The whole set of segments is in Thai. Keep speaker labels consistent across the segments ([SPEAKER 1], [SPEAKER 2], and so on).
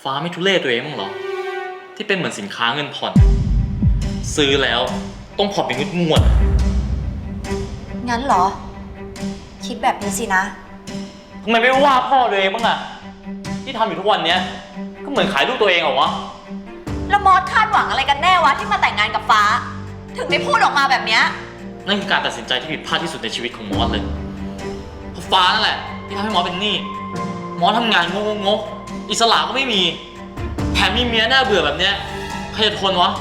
[SPEAKER 1] ฟ้าไม่ทุเรศตัวเองมั้างเหรอที่เป็นเหมือนสินค้าเงินผ่อนซื้อแล้วต้องผ่อนเป็นงวด
[SPEAKER 2] งั้นเหรอคิดแบบนี้สินะ
[SPEAKER 1] ทำไมไม่ว่าพ่อตัวเองบ้างอะที่ทำอยู่ทุกวันเนี้ยก็เหมือนขายลูกตัวเองเหรอวะ
[SPEAKER 2] แล้วมอสคาดหวังอะไรกันแน่วะที่มาแต่งงานกับฟ้าถึงได้พูดออกมาแบบเนี้ย
[SPEAKER 1] นั่นคือการตัดสินใจที่ผิดพลาดที่สุดในชีวิตของมอสเลยเพราะฟ้านั่นแหละที่ทำให้มอสเป็นหนี้มอสทำงานงกอิสระก็ไม่มีแถมมีเมียหน้าเบื่อแบบเนี้ยใครจะทนวะ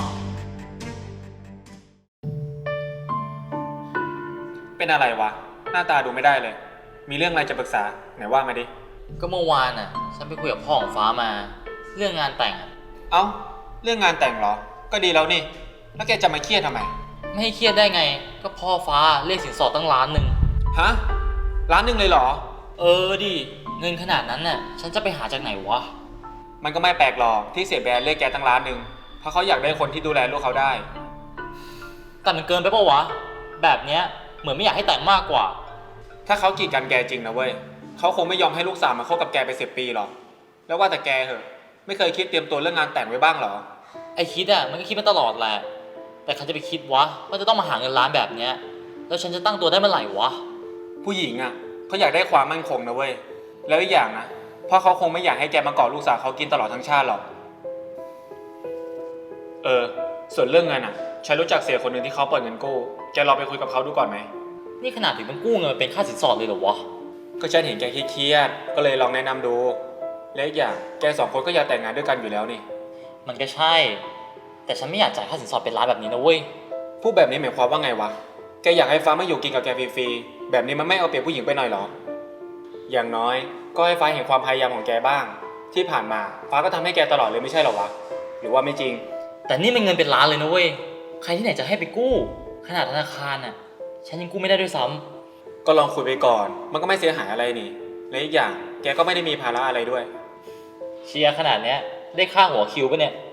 [SPEAKER 3] เป็นอะไรวะหน้าตาดูไม่ได้เลยมีเรื่องอะไรจะปรึกษาไหนว่ามาดิ
[SPEAKER 1] ก็เมื่อวานน่ะฉันไปคุยกับพ่อของฟ้ามาเรื่องงานแต่งอะ
[SPEAKER 3] เอ้าเรื่องงานแต่งเหรอก็ดีแล้วนี่แล้วแกจะมาเครียดทำไม
[SPEAKER 1] ไม่ให้เครียดได้ไงก็พ่อฟ้าเรียกสินสอดตั้ง1,000,000
[SPEAKER 3] ฮะ1,000,000เลยเหรอ
[SPEAKER 1] ดิเงินขนาดนั้นน่ะฉันจะไปหาจากไหนวะ
[SPEAKER 3] มันก็ไม่แปลกหรอกที่เสียแบรนด์เรียกแกตั้ง1,000,000เพราะเขาอยากได้คนที่ดูแลลูกเขาได้
[SPEAKER 1] แต่มันเกินไปปะวะแบบเนี้ยเหมือนไม่อยากให้แต่งมากกว่า
[SPEAKER 3] ถ้าเขากีดกันแกจริงนะเว้ยเขาคงไม่ยอมให้ลูกสาวมาคบกับแกไป10 ปีหรอกแล้วว่าแต่แกเหอะไม่เคยคิดเตรียมตัวเรื่องงานแต่งไว้บ้างหรอ
[SPEAKER 1] ไอคิดมันก็คิดมาตลอดแหละแต่ใครจะไปคิดวะว่าจะต้องมาหาเงินล้านแบบเนี้ยแล้วฉันจะตั้งตัวได้เมื่อไหร่วะ
[SPEAKER 3] ผู้หญิงเขาอยากได้ความมั่นคงนะเว้ยแล้วอีกอย่างนะเพราะเขาคงไม่อยากให้แกมาเกาะลูกสาวเขากินตลอดทั้งชาติหรอกส่วนเรื่องเงินฉันรู้จักเสียคนหนึ่งที่เขาเปิดเงินกู้แกลองไปคุยกับเขาดูก่อนไหม
[SPEAKER 1] นี่ขนาดถึงต้องกู้เงินเป็นค่าสินสอดเลยเหรอวะ
[SPEAKER 3] ก็ฉันเห็นแกเครียดก็เลยลองแนะนำดูและอีกอย่างแก2 คนก็อยากแต่งงานด้วยกันอยู่แล้วนี่
[SPEAKER 1] มันก็ใช่แต่ฉันไม่อยากจ่ายค่าสินสอดเป็นล้านแบบนี้นะเว้ย
[SPEAKER 3] พูดแบบนี้หมายความว่าไงวะแกอยากให้ฟ้ามาอยู่กินกับแกฟรีๆแบบนี้มันไม่เอาเปรียบผู้หญิงไปหน่อยหรออย่างน้อยก็ให้ฟ้าเห็นความพยายามของแกบ้างที่ผ่านมาฟ้าก็ทำให้แกตลอดเลยไม่ใช่หรอวะหรือว่าไม่จริง
[SPEAKER 1] แต่นี่มันเงินเป็นล้านเลยนะเว้ยใครที่ไหนจะให้ไปกู้ขนาดธนาคารฉันยังกู้ไม่ได้ด้วยซ้
[SPEAKER 3] ำก็ลองคุยไปก่อนมันก็ไม่เสียหายอะไรนี่และอีกอย่างแกก็ไม่ได้มีภาระอะไรด้วย
[SPEAKER 1] เชียร์ขนาดเนี้ยได้ค่าหัวคิวปะเนี่ย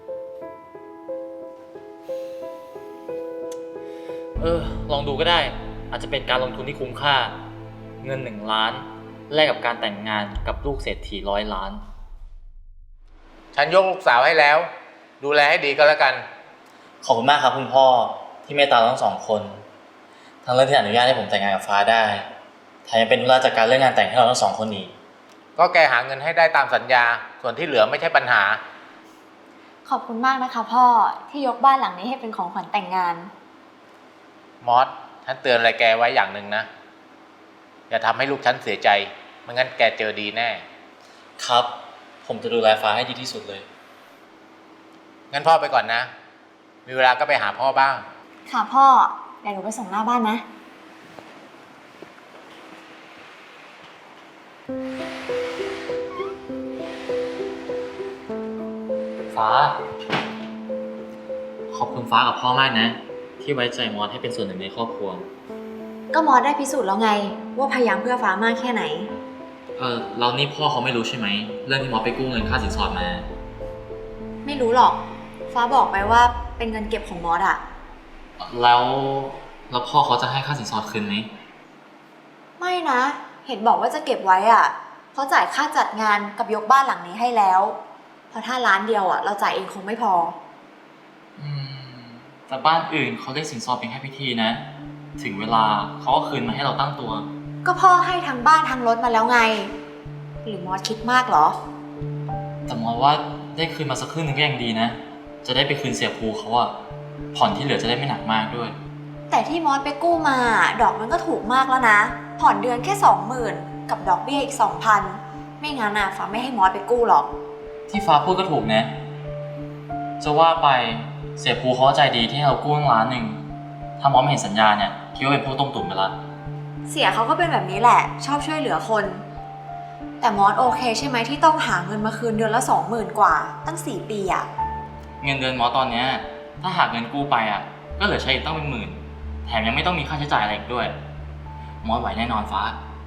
[SPEAKER 1] ลองดูก็ได้อาจจะเป็นการลงทุนที่คุ้มค่าเงิน1,000,000แลกกับการแต่งงานกับลูกเศรษฐี100,000,000
[SPEAKER 4] ฉันยกลูกสาวให้แล้วดูแลให้ดีก็แล้วกัน
[SPEAKER 1] ขอบคุณมากครับคุณพ่อที่เมตตาทั้ง2 คนทั้งเรื่องที่อนุญาตให้ผมแต่งงานกับฟ้าได้แถมยังเป็นธุระจัดการเรื่องงานแต่งให้เราทั้ง2 คนอีก
[SPEAKER 4] ก็แกหาเงินให้ได้ตามสัญญาส่วนที่เหลือไม่ใช่ปัญหา
[SPEAKER 2] ขอบคุณมากนะคะพ่อที่ยกบ้านหลังนี้ให้เป็นของขวัญแต่งงาน
[SPEAKER 4] มอสฉันเตือนอะไรแกไว้อย่างหนึ่งนะอย่าทำให้ลูกฉันเสียใจไม่งั้นแกเจอดีแน่
[SPEAKER 1] ครับผมจะดูแลฟ้าให้ดีที่สุดเลย
[SPEAKER 4] งั้นพ่อไปก่อนนะมีเวลาก็ไปหาพ่อบ้าง
[SPEAKER 2] ค่ะพ่อเดี๋ยวหนูไปส่งหน้าบ้านนะ
[SPEAKER 1] ฟ้าขอบคุณฟ้ากับพ่อมากนะที่ไว้ใจมอสให้เป็นส่วนหนึ่งในครอบครัว
[SPEAKER 2] ก็มอสได้พิสูจน์แล้วไงว่าพยายามเพื่อฟ้ามากแค่ไหน
[SPEAKER 1] เรานี่พ่อเขาไม่รู้ใช่ไหมเรื่องที่มอสไปกู้เงินค่าสินสอดมา
[SPEAKER 2] ไม่รู้หรอกฟ้าบอกไปว่าเป็นเงินเก็บของมอส
[SPEAKER 1] แล้วพ่อเขาจะให้ค่าสินสอดคืนไหม
[SPEAKER 2] ไม่นะเห็นบอกว่าจะเก็บไว้เขาจ่ายค่าจัดงานกับยกบ้านหลังนี้ให้แล้วเพราะถ้าล้านเดียวเราจ่ายเองคงไม่พอ
[SPEAKER 1] แต่บ้านอื่นเขาได้สินสอดเป็นแค่พิธีนะถึงเวลาเขาก็คืนมาให้เราตั้งตัว
[SPEAKER 2] ก็พ่อให้ทั้งบ้านทั้งรถมาแล้วไงหรือมอสคิดมากเหรอ
[SPEAKER 1] แต่มอสว่าได้คืนมาสักครึ่งนึงก็ยังดีนะจะได้ไปคืนเสียภูเขาผ่อนที่เหลือจะได้ไม่หนักมากด้วย
[SPEAKER 2] แต่ที่มอสไปกู้มาดอกมันก็ถูกมากแล้วนะผ่อนเดือนแค่ 20,000กับดอกเบี้ยอีก 2,000ไม่งั้นฟ้าไม่ให้มอสไปกู้หรอก
[SPEAKER 1] ที่ฟ้าพูดก็ถูกนะจะว่าไปเสียภูเขาใจดีที่ให้เรากู้1,000,000ถ้ามอสไม่เห็นสัญญาเนี่ยคิดว่าเป็นพวกต้มตุ๋นไปละ
[SPEAKER 2] เสียเขาก็เป็นแบบนี้แหละชอบช่วยเหลือคนแต่มอสโอเคใช่ไหมที่ต้องหาเงินมาคืนเดือนละ 20,000 กว่าตั้ง4 ปี
[SPEAKER 1] เงินเดือนมอสตอนเนี้ยถ้าหากเงินกู้ไปก็เหลือใช้อีกตั้งเป็น10,000แถมยังไม่ต้องมีค่าใช้จ่ายอะไรอีกด้วยมอสไหวแน่นอนฟ้า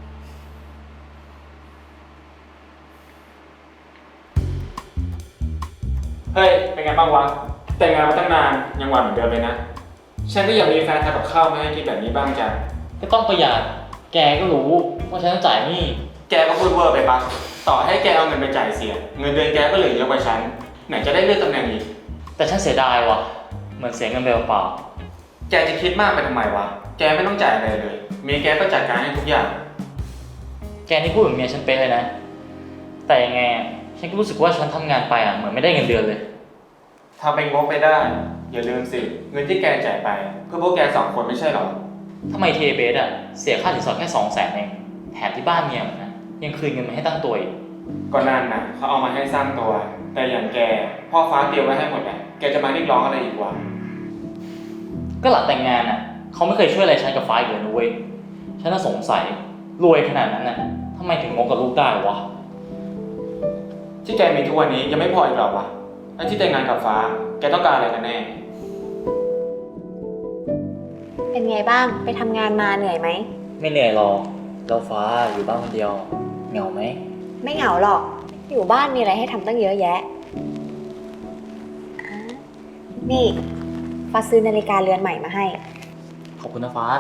[SPEAKER 3] เฮ้ยเป็นไงบ้างวะแต่งงานมาตั้งนานยังหวานเหมือนเดิมเลยนะฉันก็อยากมีแฟนทำกับข้าวมาให้กินแบบนี้บ้างจัง
[SPEAKER 1] ก็ต้องประหยัดแกก็รู้ว่าฉันต้องจ่ายหนี้
[SPEAKER 3] แกก็พูดเวอร์ไปปะต่อให้แกเอาเงินไปจ่ายเสีย เงินเดือนแกก็เหลือเยอะกว่าฉัน ไหนจะได้เลื่อนตำแหน่งอีก
[SPEAKER 1] แต่ฉันเสียดายว่ะ เหมือนเสียเงินไปเปล่า
[SPEAKER 3] แกจะคิดมากไปทำไมวะ แกไม่ต้องจ่ายอะไรเลย เมียแกก็จัดการให้ทุกอย่าง
[SPEAKER 1] แกนี่พูดเหมือนเมียฉันเป๊ะเลยนะ แต่ยังไงอะฉันก็รู้สึกว่าฉันทำงานไปเหมือนไม่ได้เงินเดือนเลย
[SPEAKER 3] ทำเป็นงกไปได้ อย่าลืมสิ เงินที่แกจ่ายไป เพื่อพวกแก2 คนไม่ใช่หรอ
[SPEAKER 1] ทำไมเทเบสเสียค่าสินสอดแค่200,000เองแถมที่บ้านเมียมันนะยังคืนเงินมาให้ตั้งตัวอีก
[SPEAKER 3] ก็นั่นนะเขาเอามาให้สร้างตัว แต่อย่างแก พ่อฟ้าเตรียมไว้ให้หมดแหละแกจะมาเรียกร้องอะไรอีกวะ
[SPEAKER 1] ก็หลังแต่งงานเขาไม่เคยช่วยอะไรฉันกับฟ้าอีกเลยนะเว้ยฉันน่าสงสัยรวยขนาดนั้นทำไมถึงงกกับลูกได้วะ
[SPEAKER 3] ที่แกมีทุกวันนี้ยังไม่พออีกหรอวะไอ้ที่แต่งงานกับฟ้า แกต้องการอะไรกันแน่
[SPEAKER 2] เป็นไงบ้างไปทำงานมาเหนื่อยไหม
[SPEAKER 1] ไม่เหนื่อยหรอกแล้วฟ้าอยู่บ้านคนเดียวเหงาไหม
[SPEAKER 2] ไม่เหงาหรอก อยู่บ้านมีอะไรให้ทำตั้งเยอะแยะอ่ะนี่ฟ้าซื้อนาฬิกาเรือนใหม่มาให้
[SPEAKER 1] ขอบคุณนะฟ้า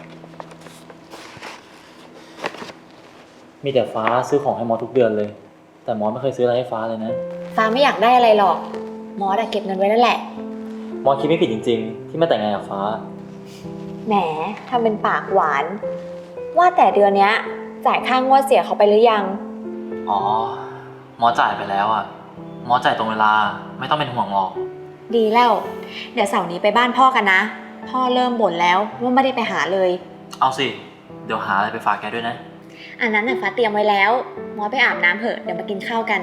[SPEAKER 1] มีแต่ฟ้าซื้อของให้มอสทุกเดือนเลย แต่มอสไม่เคยซื้ออะไรให้ฟ้าเลยนะ
[SPEAKER 2] ฟ้าไม่อยากได้อะไรหรอก มอสเก็บเงินไว้นั่นแหละ
[SPEAKER 1] มอสคิดไม่ผิดจริงๆ ที่มาแต่งงานกับฟ้า
[SPEAKER 2] แหมทำเป็นปากหวาน ว่าแต่เดือนเนี้ยจ่ายค่างวดเสียเขาไปหรือยัง
[SPEAKER 1] อ๋อ มอสจ่ายไปแล้วมอสจ่ายตรงเวลาไม่ต้องเป็นห่วงหรอก
[SPEAKER 2] ดีแล้ว เดี๋ยวเสาร์นี้ไปบ้านพ่อกันนะ พ่อเริ่มบ่นแล้วว่าไม่ได้ไปหาเลย
[SPEAKER 1] เอาสิ เดี๋ยวหาอะไรไปฝากแกด้วยนะ
[SPEAKER 2] อันนั้นน่ะฟ้าเตรียมไว้แล้ว มอสไปอาบน้ำเถอะเดี๋ยวมากินข้าวกัน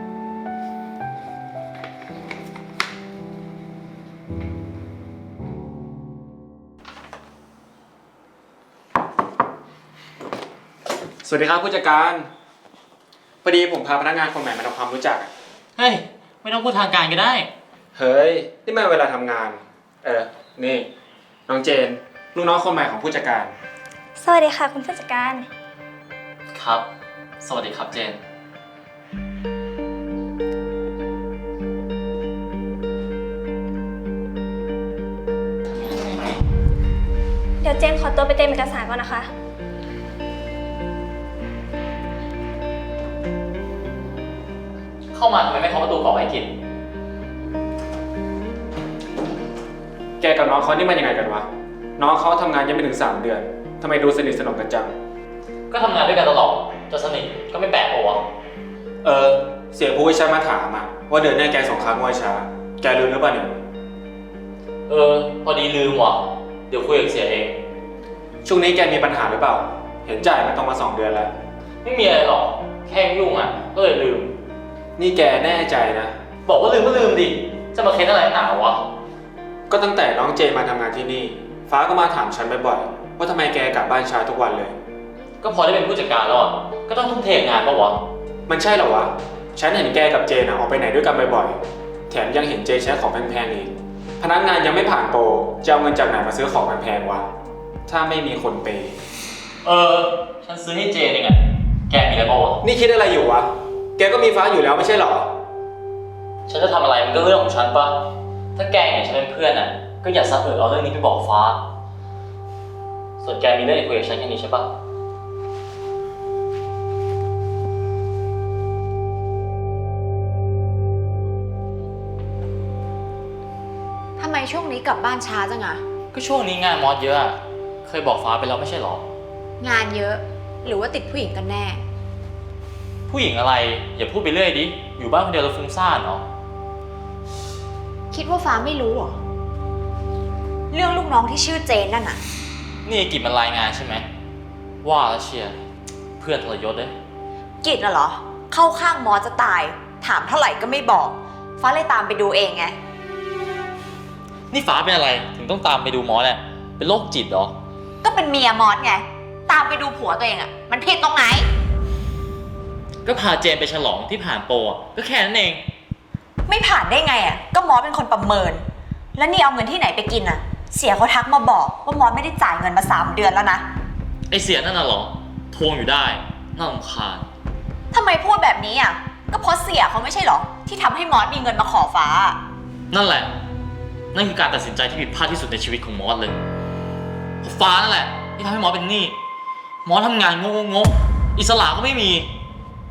[SPEAKER 3] สวัสดีครับผู้จัดการพอดีผมพาพนักงานคนใหม่มาทำความรู้จัก
[SPEAKER 1] เฮ้ย ไม่ต้องพูดทางการก็ได้
[SPEAKER 3] เฮ้ย นี่มันเวลาทำงาน นี่ น้องเจน ลูกน้องคนใหม่ของผู้จัดการ
[SPEAKER 5] สวัสดีค่ะคุณผู้จัดการ
[SPEAKER 1] ครับ สวัสดีครับเจน
[SPEAKER 5] เดี๋ยวเจนขอตัวไปเตรียมเอกสารก่อนนะคะ
[SPEAKER 1] เข้ามาทำไมไม่เคาะประตูก่อนให้กิน
[SPEAKER 3] แกกับน้องเขานี่มันยังไงกันวะ น้องเขาทำงานยังไม่ถึง3 เดือนทำไมดูสนิทสนมกันจัง
[SPEAKER 1] ก็ทำงานด้วยกันตลอดจะสนิทก็ไม่แปลกปะวะ
[SPEAKER 3] เสียผู้วิชามาถามว่าเดือนหน้าแกส่งค้างงวดช้า แกรู้หรือเปล่าเนี่ย
[SPEAKER 1] พอดีลืมว่ะ เดี๋ยวคุยกับเสียเอง
[SPEAKER 3] ช่วงนี้แกมีปัญหาหรือเปล่า เห็นจ่ายมาต้องมา2 เดือนแล้ว
[SPEAKER 1] ไม่มีอะไรหรอก แค่ยุ่งก็เลยลืม
[SPEAKER 3] นี่แกแน่ใจนะ
[SPEAKER 1] บอกว่าลืมก็ลืมดิ จะมาเค้นอะไรหนาวะ
[SPEAKER 3] ก็ตั้งแต่น้องเจมาทำงานที่นี่ ฟ้าก็มาถามฉันบ่อยๆว่าทำไมแกกลับบ้านช้าทุกวันเลย
[SPEAKER 1] ก็พอได้เป็นผู้จัดการแล้วก็ต้องทุ่มเทงานปะวะ
[SPEAKER 3] มันใช่เหรอวะ ฉันเห็นแกกับเจออกไปไหนด้วยกันบ่อยๆ แถมยังเห็นเจใช้ของแพงๆอีก พนักงานยังไม่ผ่านโปร จะเอาเงินจากไหนมาซื้อของแพงๆวะ ถ้าไม่มีคนเปย์
[SPEAKER 1] ฉันซื้อให้เจนเองแกมีอะไรปะวะ
[SPEAKER 3] นี่คิดอะไรอยู่วะ แกก็มีฟ้าอยู่แล้วไม่ใช่เหรอ
[SPEAKER 1] ฉันจะทำอะไรมันก็เรื่องของฉันปะถ้าแกเห็นฉันเป็นเพื่อนก็อย่าซะเอาเรื่องนี้ไปบอกฟ้า ส่วนแกมีเรื่องจะคุยกับฉันแค่นี้ใช่ปะ
[SPEAKER 2] ทำไมช่วงนี้กลับบ้านช้าจังอะ
[SPEAKER 1] ก็ช่วงนี้งานมอสเยอะเคยบอกฟ้าไปแล้วไม่ใช่หรอ
[SPEAKER 2] งานเยอะ หรือว่าติดผู้หญิงกันแน่
[SPEAKER 1] ผู้หญิงอะไร อย่าพูดไปเรื่อยดิ อยู่บ้านคนเดียวแล้วฟุ้งซ่านเนาะ
[SPEAKER 2] คิดว่าฟ้าไม่รู้เหรอ เรื่องลูกน้องที่ชื่อเจนนั่นน่ะ
[SPEAKER 1] นี่กิจมันรายงานใช่ไหม ว่าแล้วเชียร์เพื่อนทรยศเลย
[SPEAKER 2] กิจน่ะเหรอ เข้าข้างมอสจะตาย ถามเท่าไหร่ก็ไม่บอก ฟ้าเลยตามไปดูเองไง
[SPEAKER 1] นี่ฟ้าเป็นอะไร ถึงต้องตามไปดูมอสเป็นโรคจิตเหรอ
[SPEAKER 2] ก็เป็นเมียมอสไง ตามไปดูผัวตัวเองอะมันผิดตรงไหน
[SPEAKER 1] ก็พาเจนไปฉลองที่ผ่านโปรก็แค่นั้นเอง
[SPEAKER 2] ไม่ผ่านได้ไงอะก็มอสเป็นคนประเมิน แล้วนี่เอาเงินที่ไหนไปกินอะเสียเขาทักมาบอกว่ามอสไม่ได้จ่ายเงินมา3 เดือนแล้วนะ
[SPEAKER 1] ไอเสียนั่นน่ะเหรอ ทวงอยู่ได้ น่ารำคาญ
[SPEAKER 2] ทำไมพูดแบบนี้อะก็เพราะเสียเขาไม่ใช่เหรอ ที่ทำให้มอสมีเงินมาขอฟ้า
[SPEAKER 1] นั่นแหละ นั่นคือการตัดสินใจที่ผิดพลาดที่สุดในชีวิตของมอสเลยเพราะฟ้านั่นแหละที่ทำให้มอสเป็นหนี้ มอสทำงานงกอิสระก็ไม่มี แ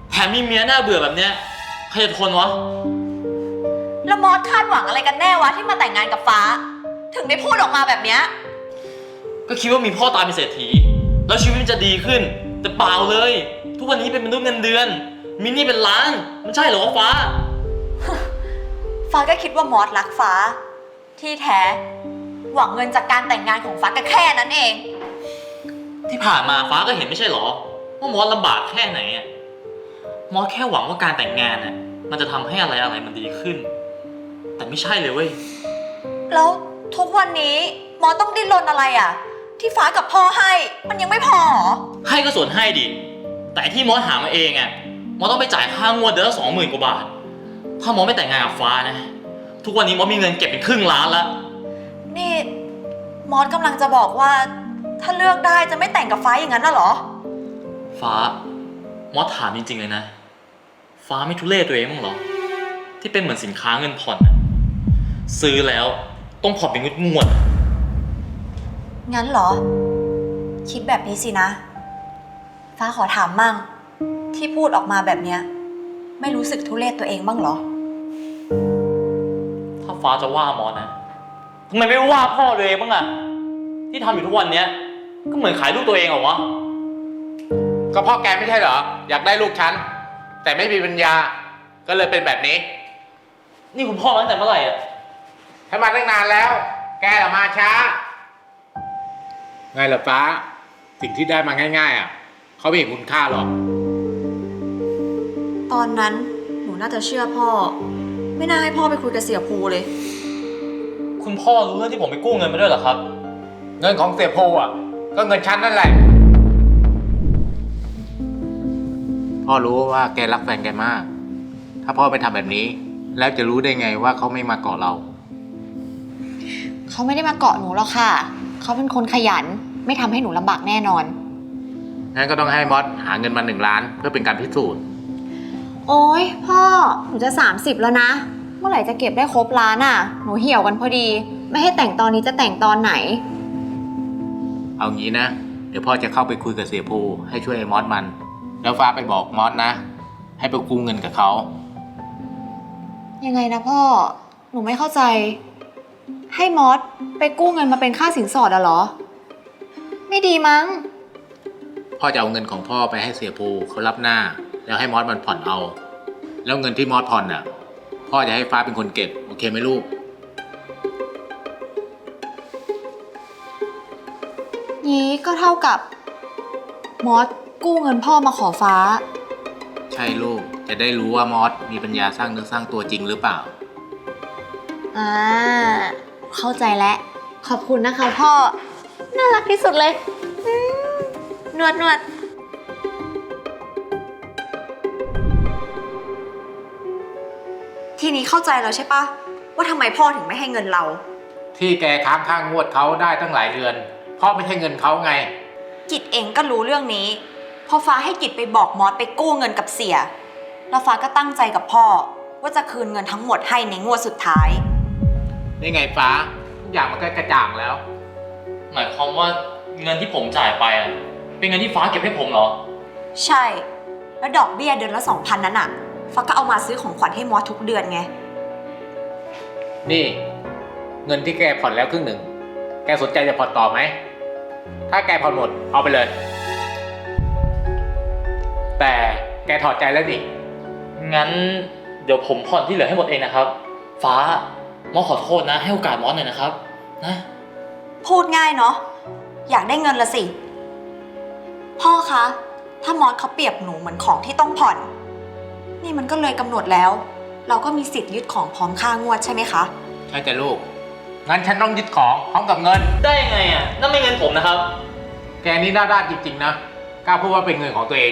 [SPEAKER 1] แถมมีเมียน่าเบื่อแบบเนี้ยใครจะทนวะ
[SPEAKER 2] แล้วมอสคาดหวังอะไรกันแน่วะที่มาแต่งงานกับฟ้า ถึงได้พูดออกมาแบบเนี้ย
[SPEAKER 1] ก็คิดว่ามีพ่อตายเป็นเศรษฐีแล้วชีวิตมันจะดีขึ้น แต่เปล่าเลย ทุกวันนี้เป็นมนุษย์เงินเดือนมีหนี้เป็นล้านมันใช่เหรอวะฟ้า
[SPEAKER 2] ฟ้าก็คิดว่ามอสรักฟ้า ที่แท้ หวังเงินจากการแต่งงานของฟ้าก็แค่นั้นเอง
[SPEAKER 1] ที่ผ่านมาฟ้าก็เห็นไม่ใช่เหรอว่ามอสลำบากแค่ไหนอะมอสแค่หวังว่าการแต่งงานน่ะมันจะทำให้อะไรมันดีขึ้น แต่ไม่ใช่เลยเว้ย
[SPEAKER 2] แล้วทุกวันนี้มอสต้องดิ้นรนอะไรอ่ะ ที่ฟ้ากับพ่อให้มันยังไม่พอเหรอ
[SPEAKER 1] ให้ก็ส่วนให้ดิแต่ที่มอสหามาเองอะมอสต้องไปจ่ายค่างวดเดือนละ20,000 กว่าบาทถ้ามอสไม่แต่งงานกับฟ้านะทุกวันนี้มอสมีเงินเก็บเป็นครึ่งล้านแล้ว
[SPEAKER 2] นี่มอสกำลังจะบอกว่า ถ้าเลือกได้จะไม่แต่งกับฟ้าอย่างนั้นน่ะเหรอ
[SPEAKER 1] ฟ้ามอสถามจริงๆเลยนะ ฟ้าไม่ทุเรศตัวเองมั้างเหรอ ที่เป็นเหมือนสินค้าเงินผ่อนน่ะซื้อแล้วต้องผ่อนเป็นงวด
[SPEAKER 2] งั้นเหรอ คิดแบบนี้สินะ ฟ้าขอถามมั่ง ที่พูดออกมาแบบเนี้ยไม่รู้สึกทุเรศตัวเองบ้างเหรอ
[SPEAKER 1] ๆถ้าฟ้าจะว่ามอสนะทำไมไม่ว่าพ่อตัวเองบ้างอะที่ทำอยู่ทุกวันเนี้ยก็เหมือนขายลูกตัวเองเหรอวะ
[SPEAKER 4] ก็พ่อแกไม่ใช่เหรอ อยากได้ลูกฉัน แต่ไม่มีปัญญา ก็เลยเป็นแบบนี้
[SPEAKER 1] นี่คุณพ่อมาตั้งแต่เมื่อไหร่อะ
[SPEAKER 4] ให้มาตั้งนานแล้ว แกล่ะมาช้า ไงล่ะฟ้า สิ่งที่ได้มาง่ายๆเขาไม่เห็นคุณค่าหรอก
[SPEAKER 2] ตอนนั้นหนูน่าจะเชื่อพ่อ ไม่น่าให้พ่อไปคุยกับเสี่ยภูเลย
[SPEAKER 1] คุณพ่อรู้เรื่องที่ผมไปกู้เงินมาด้วยเหรอครับ
[SPEAKER 4] เงินของเสียโพก็เงินฉันนั่นแหละ พ่อรู้ว่าแกรักแฟนแกมาก ถ้าพ่อไม่ทำแบบนี้ แล้วจะรู้ได้ไงว่าเขาไม่มาเกาะเรา
[SPEAKER 2] เขาไม่ได้มาเกาะหนูหรอกค่ะ เขาเป็นคนขยัน ไม่ทำให้หนูลำบากแน่นอน
[SPEAKER 4] งั้นก็ต้องให้มอสหาเงินมา1 ล้านเพื่อเป็นการพิสูจน์
[SPEAKER 2] โอ๊ยพ่อ หนูจะ30แล้วนะ เมื่อไหร่จะเก็บได้ครบล้านอ่ะ หนูเหี่ยวกันพอดี ไม่ให้แต่งตอนนี้จะแต่งตอนไหน
[SPEAKER 4] เอางี้นะ เดี๋ยวพ่อจะเข้าไปคุยกับเสียโพให้ช่วยไอ้มอสมัน แล้วฟ้าไปบอกมอสนะ ให้ไปกู้เงินกับเขา
[SPEAKER 2] ยังไงนะพ่อ หนูไม่เข้าใจ ให้มอสไปกู้เงินมาเป็นค่าสินสอดอะเหรอ ไม่ดีมั้ง
[SPEAKER 4] พ่อจะเอาเงินของพ่อไปให้เสียโพเขารับหน้า แล้วให้มอสมันผ่อนเอา แล้วเงินที่มอสผ่อนน่ะ พ่อจะให้ฟ้าเป็นคนเก็บ โอเคไหมลูก
[SPEAKER 2] นี้ก็เท่ากับมอสกู้เงินพ่อมาขอฟ้า
[SPEAKER 4] ใช่ลูก จะได้รู้ว่ามอสมีปัญญาสร้างเนื้อสร้างตัวจริงหรือเปล่า
[SPEAKER 2] เข้าใจแล้ว ขอบคุณนะคะพ่อ น่ารักที่สุดเลยนวด ทีนี้เข้าใจแล้วใช่ปะว่าทำไมพ่อถึงไม่ให้เงินเรา
[SPEAKER 4] ที่แกค้างค่างวดเขาได้ตั้งหลายเดือน พ่อไม่ใช่เงินเขาไง
[SPEAKER 2] กิจเองก็รู้เรื่องนี้ พอฟ้าให้กิจไปบอกมอสไปกู้เงินกับเสีย แล้วฟ้าก็ตั้งใจกับพ่อ ว่าจะคืนเงินทั้งหมดให้ในงวดสุดท้าย
[SPEAKER 4] นี่ไงฟ้าทุกอย่างมันก็กระจ่างแล้ว
[SPEAKER 1] หมายความว่าเงินที่ผมจ่ายไปอะเป็นเงินที่ฟ้าเก็บให้ผมเหรอ
[SPEAKER 2] ใช่ แล้วดอกเบี้ยเดือนละ 2,000 นั้นอะฟ้าก็เอามาซื้อของขวัญให้มอสทุกเดือนไง
[SPEAKER 4] นี่ เงินที่แกผ่อนแล้วครึ่งหนึ่ง แกสนใจจะผ่อนต่อไหม ถ้าแกผ่อนหมดเอาไปเลย แต่แกถอดใจแล้วนี่
[SPEAKER 1] งั้นเดี๋ยวผมผ่อนที่เหลือให้หมดเองนะครับ ฟ้ามอสขอโทษนะ ให้โอกาสมอสหน่อยนะครับนะ
[SPEAKER 2] พูดง่ายเนาะ อยากได้เงินละสิ พ่อคะ ถ้ามอสเขาเปรียบหนูเหมือนของที่ต้องผ่อน นี่มันก็เลยกำหนดแล้ว เราก็มีสิทธิ์ยึดของพร้อมค่างวดใช่ไหมคะ
[SPEAKER 4] ใช่จ้ะลูก งั้นฉันต้องยึดของพร้อมกับเงิน
[SPEAKER 1] ได้ยังไงอ่ะนั่นไม่เงินผมนะครับ
[SPEAKER 4] แกนี่หน้าด้านจริงๆนะ กล้าพูดว่าเป็นเงินของตัวเอง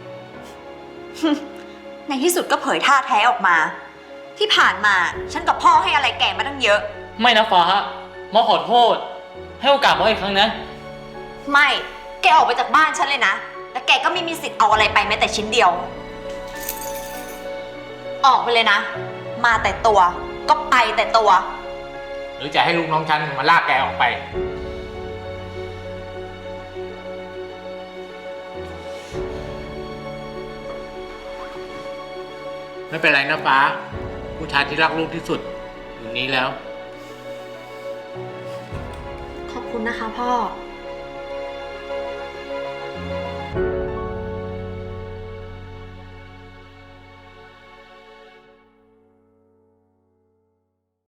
[SPEAKER 2] ในที่สุดก็เผยท่าแท้ออกมา ที่ผ่านมาฉันกับพ่อให้อะไรแกมาตั้งเยอะ
[SPEAKER 1] ไม่นะฟ้ามอสขอโทษ ให้โอกาสมอสอีกครั้งนะ
[SPEAKER 2] ไม่ แกออกไปจากบ้านฉันเลยนะ และแกก็ไม่มีสิทธิ์เอาอะไรไปแม้แต่ชิ้นเดียว ออกไปเลยนะ มาแต่ตัว ก็ไปแต่ตัว
[SPEAKER 4] หรือจะให้ลูกน้องฉันมาลากแกออกไปไม่เป็นไรนะฟ้า ผู้ชายที่รักลูกที่สุดอยู่นี้แล้ว
[SPEAKER 2] ขอบคุณนะคะพ่อ